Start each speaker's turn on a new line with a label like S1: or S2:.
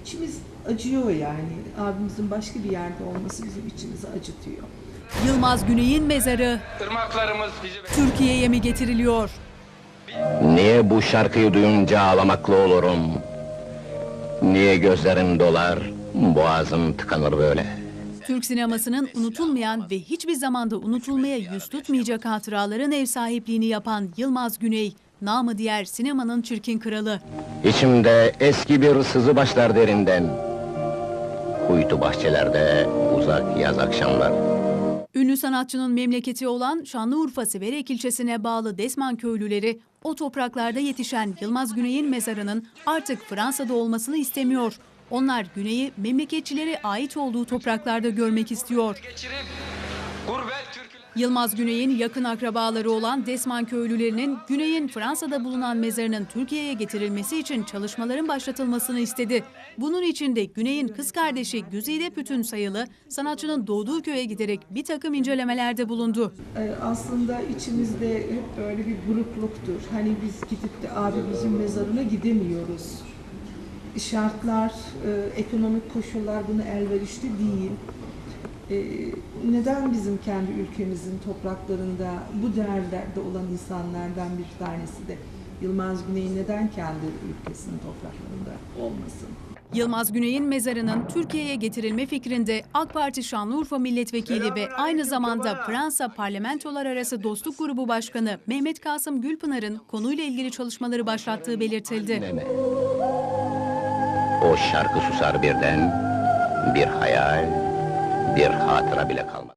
S1: içimiz acıyor yani. Abimizin başka bir yerde olması bizim içimizi acıtıyor.
S2: Yılmaz Güney'in mezarı
S3: Irmaklarımız bizi
S2: Türkiye'ye mi getiriliyor?
S4: Niye bu şarkıyı duyunca ağlamaklı olurum? Niye gözlerim dolar, boğazım tıkanır böyle?
S2: Türk sinemasının unutulmayan ve hiçbir zamanda unutulmaya yüz tutmayacak hatıraların ev sahipliğini yapan Yılmaz Güney, namı diğer sinemanın çirkin kralı.
S4: İçimde eski bir sızı başlar derinden. Kuytu bahçelerde uzak yaz akşamlar.
S2: Ünlü sanatçının memleketi olan Şanlıurfa Siverek ilçesine bağlı Desman köylüleri o topraklarda yetişen Yılmaz Güney'in mezarının artık Fransa'da olmasını istemiyor. Onlar Güney'i memleketçilere ait olduğu topraklarda görmek istiyor.
S3: geçirip gurbet türküler...
S2: Yılmaz Güney'in yakın akrabaları olan Desman köylülerinin Güney'in Fransa'da bulunan mezarının Türkiye'ye getirilmesi için çalışmaların başlatılmasını istedi. Bunun için de Güney'in kız kardeşi Güzide Pütün sayılı sanatçının doğduğu köye giderek bir takım incelemelerde bulundu.
S1: Aslında içimizde hep böyle bir burukluktur. Hani biz gidip de abimizin mezarına gidemiyoruz. Şartlar, ekonomik koşullar buna elverişli değil. Neden bizim kendi ülkemizin topraklarında bu değerlerde olan insanlardan bir tanesi de Yılmaz Güney neden kendi ülkesinin topraklarında olmasın?
S2: Yılmaz Güney'in mezarının Türkiye'ye getirilme fikrinde AK Parti Şanlıurfa Milletvekili ve aynı zamanda Fransa Parlamentolar Arası Dostluk Grubu Başkanı Mehmet Kasım Gülpınar'ın konuyla ilgili çalışmaları başlattığı belirtildi.
S4: O şarkı susar birden, bir hayal, bir hatıra bile kalmaz.